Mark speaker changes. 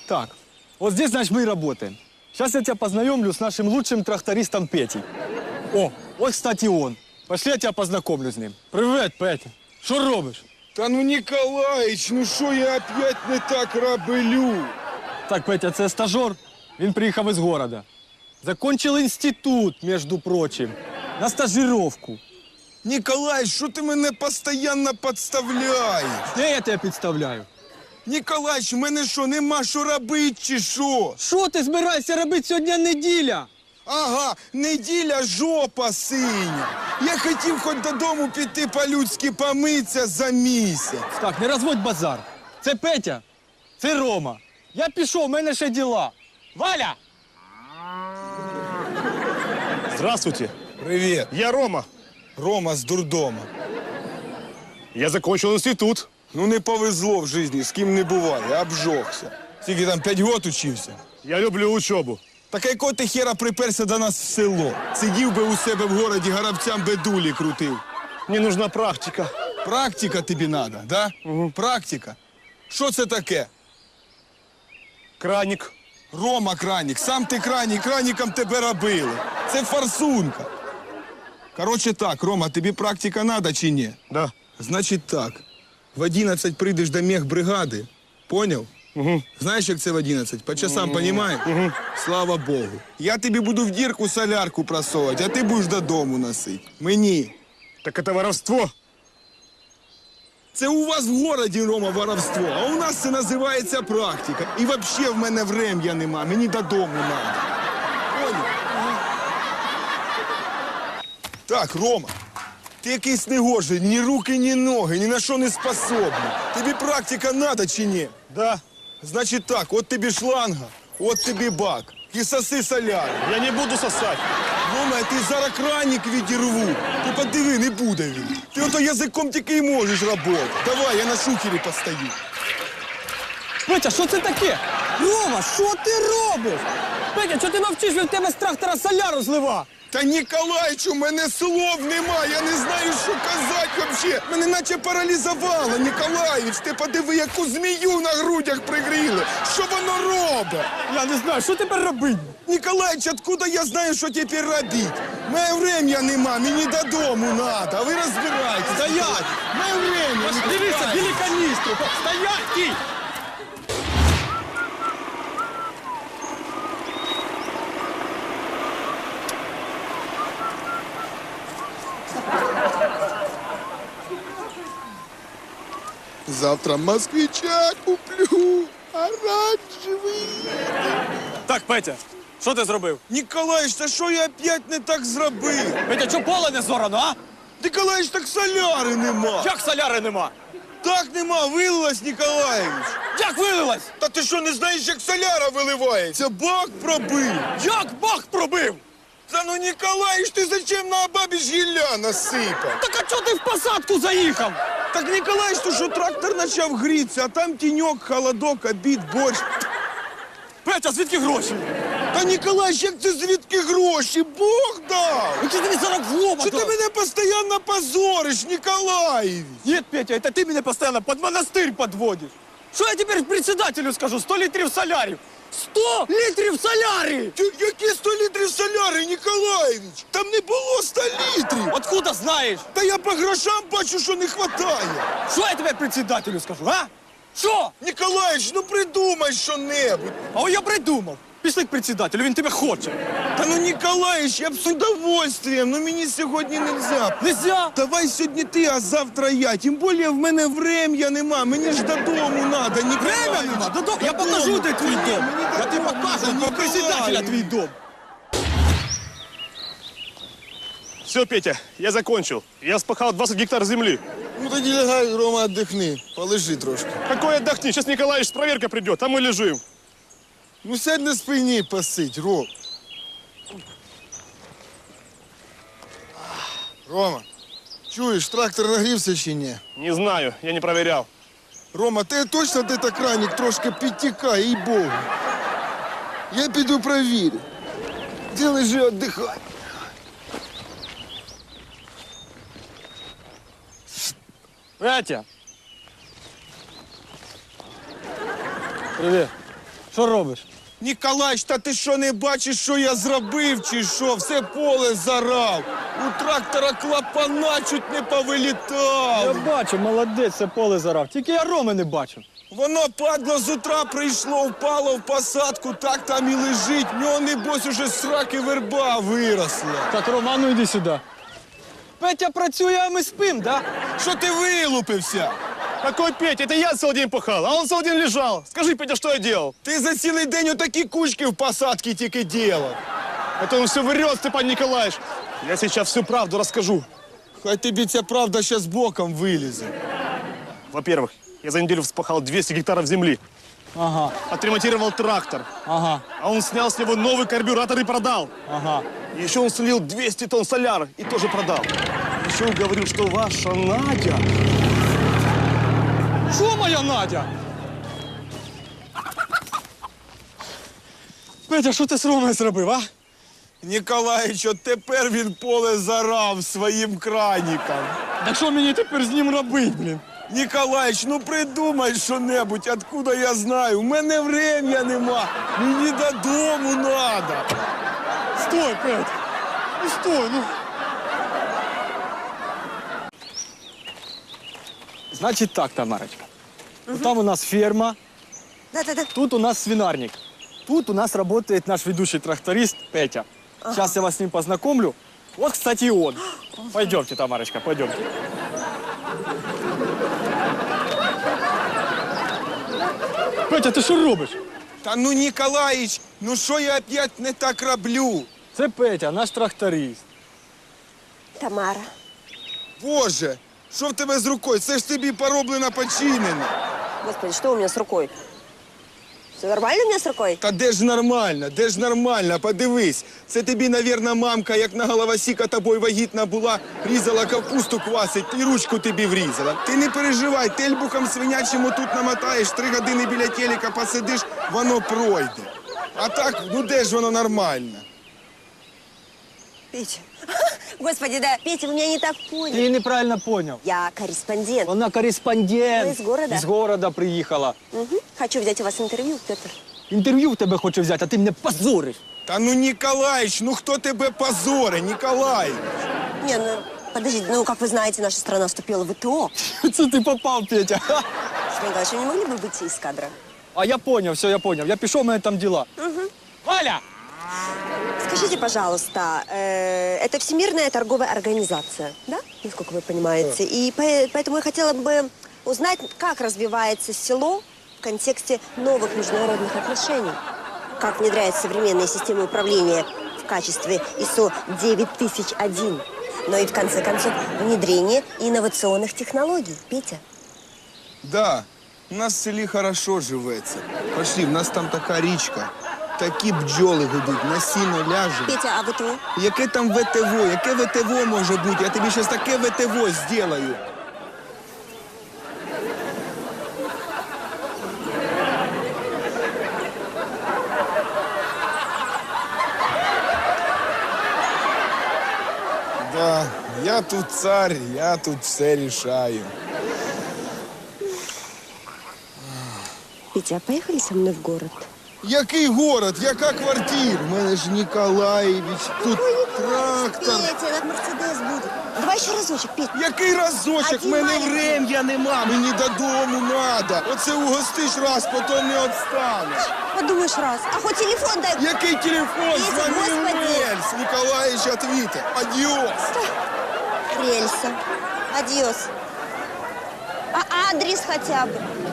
Speaker 1: Так, вот здесь, значит, мы и работаем. Сейчас я тебя познакомлю с нашим лучшим трактористом Петей. О, вот, кстати, он. Пошли, я тебя познакомлю с ним. Привет, Петя. Що робиш?
Speaker 2: Та ну, Ніколаїч, ну що я опять не так роблю?
Speaker 1: Так, Петя, це стажер. Він приїхав із города. Закончил институт, между прочим, на стажировку.
Speaker 2: Ніколаїч, що ти мене постійно підставляєш?
Speaker 1: Де я тебе підставляю?
Speaker 2: Ніколаїч, в мене що, нема що робити чи що?
Speaker 1: Що ти збираєшся робити сьогодні неділя?
Speaker 2: Ага, неділя жопа синя. Я хотів хоч додому піти по-людськи помитися за місяць.
Speaker 1: Так, не розводь базар. Це Петя, це Рома. Я пішов, в мене ще діла. Валя!
Speaker 3: Здравствуйте,
Speaker 2: Привіт.
Speaker 3: я Рома.
Speaker 2: Рома з дурдома.
Speaker 3: Я закончил институт.
Speaker 2: Ну не повезло в житті, з ким не буває, обжогся. Скільки там, 5 років учився?
Speaker 3: Я люблю учебу.
Speaker 2: Так якого ти хера приперся до нас в село? Сидів би у себе в городі, горобцям бедулі крутив.
Speaker 3: Мне нужна практика.
Speaker 2: Практика тобі надо, да? Практика. Що це таке?
Speaker 3: Краник.
Speaker 2: Рома Кранік, сам ти Кранік, Краніком тебе робили. Це форсунка. Короче так, Рома, тобі практика надо чи ні?
Speaker 3: Да.
Speaker 2: Значить так, в 11 прийдеш до мехбригади, поняв? Знаєш, як це в 11? По часам, понімаєш? Слава Богу. Я тобі буду в дірку солярку просовувати, а ти будеш додому носити. Мені.
Speaker 3: Так это воровство.
Speaker 2: Це у вас в городі, Рома, воровство, а у нас це називається практика. І взагалі в мене врем'я нема, мені додому треба. Поняв? Так, Рома, ти якийсь негожий, ні руки, ні ноги, ні на що не способний. Тобі практика надо чи ні?
Speaker 3: Да.
Speaker 2: Значить так, от тобі шланга, от тобі бак. І соси соляр.
Speaker 3: Я не буду сосать.
Speaker 2: Рома, я ти зараз краник відірву. Ти подиви, не буде він. Ти ото язиком тільки й можеш робити. Давай, я на шухері постою.
Speaker 1: Петя, що це таке? Рома, що ти робиш? Петя, що ти мовчиш, він в тебе з трактора соляру злива?
Speaker 2: Та, Ніколаїч, у мене слов нема, я не знаю, що казати взагалі. Мене наче паралізувало, Ніколаїч. Ти подиви, яку змію на грудях пригріли. Що воно робить?
Speaker 1: Я не знаю, що тепер робити?
Speaker 2: Ніколаїч, откуда я знаю, що тепер робити? Моє врем'я нема, мені додому надо, а ви розбирайтесь.
Speaker 1: Стоять!
Speaker 2: Моє время, не
Speaker 1: Дивися,
Speaker 2: пускайте.
Speaker 1: білі каністру! Стоять, кій!
Speaker 2: Завтра москвича куплю, оранжевий.
Speaker 1: Так, Петя, що ти зробив?
Speaker 2: Ніколаїч, та що я опять не так зробив?
Speaker 1: Петя, чого поле не зорано, а?
Speaker 2: Ніколаїч, так соляри нема.
Speaker 1: Як соляри нема?
Speaker 2: Так нема, вилилась, Ніколаєвич.
Speaker 1: Як вилилась?
Speaker 2: Та ти що, не знаєш, як соляра виливається? Бак пробив.
Speaker 1: Як бак пробив?
Speaker 2: Та ну, Ніколаєвич, ти зачем на бабі ж гілля насипав?
Speaker 1: Так а чого ти в посадку заїхав?
Speaker 2: Так, Ніколаєвич, то що трактор почав грітися, а там тіньок, холодок, обід, борщ.
Speaker 1: Петя, звідки гроші?
Speaker 2: Та, Ніколаєвич, як це звідки гроші? Бог дав.
Speaker 1: Який ти мені зараз в лоба
Speaker 2: Що ти
Speaker 1: дав?
Speaker 2: мене постійно позориш, Ніколаєвич?
Speaker 1: Нет, Петя, это ты меня постоянно под монастырь подводишь. Что я теперь председателю скажу? 100 литров солярів. 100 литров солярии!
Speaker 2: Які 100 літрів соляри, Ніколаєвич? Там не було 100 літрів.
Speaker 1: Откуда знаешь?
Speaker 2: Та я по грошам бачу, що не хватає.
Speaker 1: Что я теперь председателю скажу, а? Что?
Speaker 2: Ніколаєвич, ну придумай що-небудь.
Speaker 1: А я придумав. Пішли к председателю, він тебе хоче.
Speaker 2: Та ну, Ніколаєвич, я б з удовольствием, ну мені сьогодні нельзя.
Speaker 1: Нельзя.
Speaker 2: Давай сьогодні ти, а завтра я. Тим більше в мене врем'я нема, мені ж додому надо, Ніколаєвич.
Speaker 1: Время нема. Додому. Я покажу, де твій дом. Я тобі покажу, про председателя твій дом.
Speaker 3: Все, Петя, я закончил. Я спахал 20 гектар земли.
Speaker 2: Ну тоді лягай, Рома, отдихни, полежи трошки.
Speaker 3: Какой отдохни? Сейчас Николаевич с проверкой придет, а мы лежим.
Speaker 2: Ну сядь на спині посидь, Ром. Рома, чуєш, трактор нагрівся чи ні?
Speaker 3: Не знаю, я не проверял.
Speaker 2: Рома, ти точно де так краник трошки підтікає, їй-богу. Я піду провірю. Де лежи, віддихай.
Speaker 1: Петя. Привет. Що робиш?
Speaker 2: Ніколаїч, та ти що не бачиш, що я зробив, чи що? Все поле зарав. У трактора клапана чуть не
Speaker 1: Я
Speaker 2: повилітав.
Speaker 1: бачу, молодець, це поле зарав. Тільки я Роми не бачу.
Speaker 2: Воно, падло, з утра прийшло, впало в посадку, так там і лежить. В нього, небось, уже з сраки верба виросла.
Speaker 1: Так, Рома, ну йди сюди. Петя працює, а ми спим, да?
Speaker 2: Що ти вилупився?
Speaker 3: Какой Петя? Это я целый день пахал, а он целый день лежал. Скажи, Петя, что я делал?
Speaker 2: Ти за цілий день отакі кучки в посадці тільки ділав.
Speaker 3: Это он все врет, Степан Николаевич. Я сейчас всю правду расскажу.
Speaker 2: Хай тобі ця правда щас боком вилізе.
Speaker 3: Во-первых, я за неделю вспахал 200 гектаров земли,
Speaker 1: Ага,
Speaker 3: отремонтировал трактор,
Speaker 1: ага,
Speaker 3: а он снял с него новый карбюратор и продал.
Speaker 1: ага.
Speaker 3: И еще он слил 200 тонн соляра и тоже продал. Еще он говорил, что ваша Надя...
Speaker 1: Що моя Надя? Петя, що ти з Ромою зробив, а?
Speaker 2: Ніколаїч, от тепер він поле зарав своїм краніком.
Speaker 1: Так що мені тепер з ним робити, блін?
Speaker 2: Ніколаїч, ну придумай що-небудь, откуда я знаю. У мене врем'я нема. Мені додому надо.
Speaker 1: Стой, Петя. Ну стой, ну. Значить так, Тамарочка. Там у нас ферма,
Speaker 4: Да-да-да.
Speaker 1: тут у нас свинарник. Тут у нас работает наш ведущий тракторист Петя. Сейчас я вас с ним познакомлю. Вот, кстати, и он. Пойдемте, Тамарочка, пойдемте. Петя, ти що робиш?
Speaker 2: Та ну, Ніколаїч, ну що я опять не так роблю?
Speaker 1: Це Петя, наш тракторист.
Speaker 4: Тамара.
Speaker 2: Боже, що в тебе з рукою? Це ж тобі пороблено, починено.
Speaker 4: Господи, что у меня с рукой? Все нормально у меня с рукой?
Speaker 2: Та де ж нормально, подивись. Це тобі, навірно, мамка, як на головосіка тобою вагітна була, різала капусту квасить і ручку тобі врізала. Ти не переживай, тельбухом свинячому тут намотаєш, 3 години біля телека посидиш, воно пройде. А так, ну де ж воно нормально?
Speaker 4: Петя. Господи, да. Петя, вы меня не так
Speaker 1: Ти
Speaker 4: поняли.
Speaker 1: неправильно понял.
Speaker 4: Я корреспондент.
Speaker 1: Вона кореспондент.
Speaker 4: Ви из города?
Speaker 1: З города приїхала.
Speaker 4: Мгм. Хочу взять у вас интервью, Петр.
Speaker 1: Інтерв'ю в тебе хоче взяти, а ти мене позориш.
Speaker 2: Та ну, Ніколаїч, ну хто тебе позорить, Ніколаїч?
Speaker 4: Не, ну, подождите, ну, как вы знаете, наша страна вступила в ВТО.
Speaker 1: Це ти попав, Петя.
Speaker 4: Сергей Николаевич, вы не могли бы выйти из кадра?
Speaker 1: А я понял, все, я понял. Я пішов, у мене там діла. Валя!
Speaker 4: Скажите, пожалуйста, это Всемирная торговая организация, да? Насколько вы понимаете. И поэтому я хотела бы узнать, как развивается село в контексте новых международных отношений. Как внедряют современные системы управления в качестве ISO 9001. Но и, в конце концов, внедрение инновационных технологий. Петя?
Speaker 2: Да, у нас в селі хорошо живеться. Пошли, в нас там така річка. Такі бджоли гудуть, на сіно ляжемо.
Speaker 4: Петя, а ВТО?
Speaker 2: Яке там ВТВ? Яке ВТВ може бути? Я тобі зараз таке ВТВ зроблю. Да, я тут цар, я тут все рішаю.
Speaker 4: Петя, а поехали со мной в город?
Speaker 2: Який город? Яка квартира? У мене ж Ніколаєвич, тут трактор.
Speaker 4: Петя, этот Мерседес будет. Давай еще разочек, Петя.
Speaker 2: Який разочок?
Speaker 4: Один
Speaker 2: В мене
Speaker 4: маленький.
Speaker 2: врем'я нема. Мені додому надо. Оце угостиш раз, потім не відстанеш.
Speaker 4: Подумаешь раз. А хоть телефон дай.
Speaker 2: Який телефон?
Speaker 4: Петя,
Speaker 2: Звони в
Speaker 4: господи.
Speaker 2: рельс. Ніколаєвич отвіте. Адіос.
Speaker 4: Рельса. Адьос. А адрес хотя бы.